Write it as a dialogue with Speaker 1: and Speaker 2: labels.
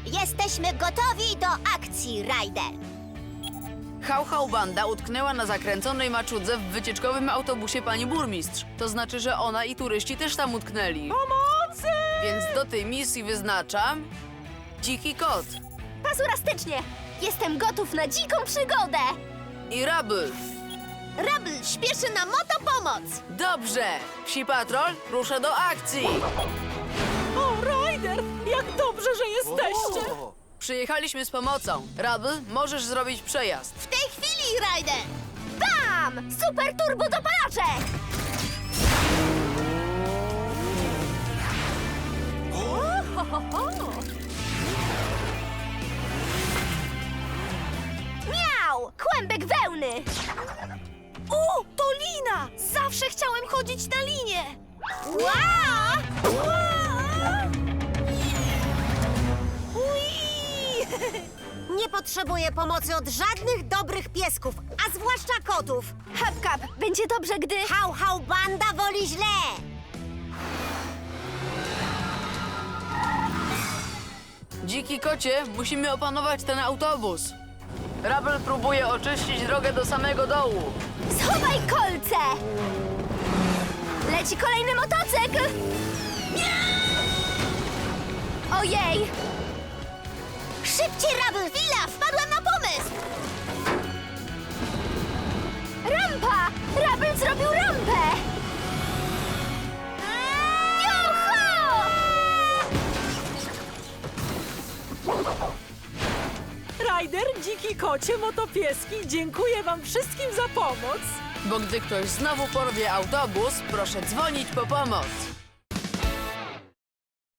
Speaker 1: Jesteśmy gotowi do akcji, Ryder.
Speaker 2: Hał Banda utknęła na zakręconej maczudze w wycieczkowym autobusie pani burmistrz. To znaczy, że ona i turyści też tam utknęli.
Speaker 3: Pomocy!
Speaker 2: Więc do tej misji wyznaczam... Dziki kot
Speaker 1: Pazurastycznie! Jestem gotów na dziką przygodę!
Speaker 2: i Rubble.
Speaker 1: Rubble śpieszy na motopomoc!
Speaker 2: Dobrze! Psi Patrol rusza do akcji!
Speaker 3: O, Ryder! Jak dobrze, że jesteście!
Speaker 2: Przyjechaliśmy z pomocą. Rubble, możesz zrobić przejazd.
Speaker 1: W tej chwili, Ryder! Bam! Super turbo dopalacze! Miau! Kłębek wełny!
Speaker 3: To lina! Zawsze chciałem chodzić na linie!
Speaker 1: Wow! Nie potrzebuję pomocy od żadnych dobrych piesków, a zwłaszcza kotów. Hapkap, będzie dobrze, gdy... Hał Banda woli źle!
Speaker 2: Dziki kocie, musimy opanować ten autobus. Rubble próbuje oczyścić drogę do samego dołu.
Speaker 1: Schowaj kolce! Leci kolejny motocykl! Ojej! Szybciej, Rubble! Chwila! Wpadłam na pomysł! Rampa! Rubble zrobił rampę! Juhu!
Speaker 3: Ryder, dziki kocie, motopieski, dziękuję wam wszystkim za pomoc!
Speaker 2: Bo gdy ktoś znowu porwie autobus, proszę dzwonić po pomoc.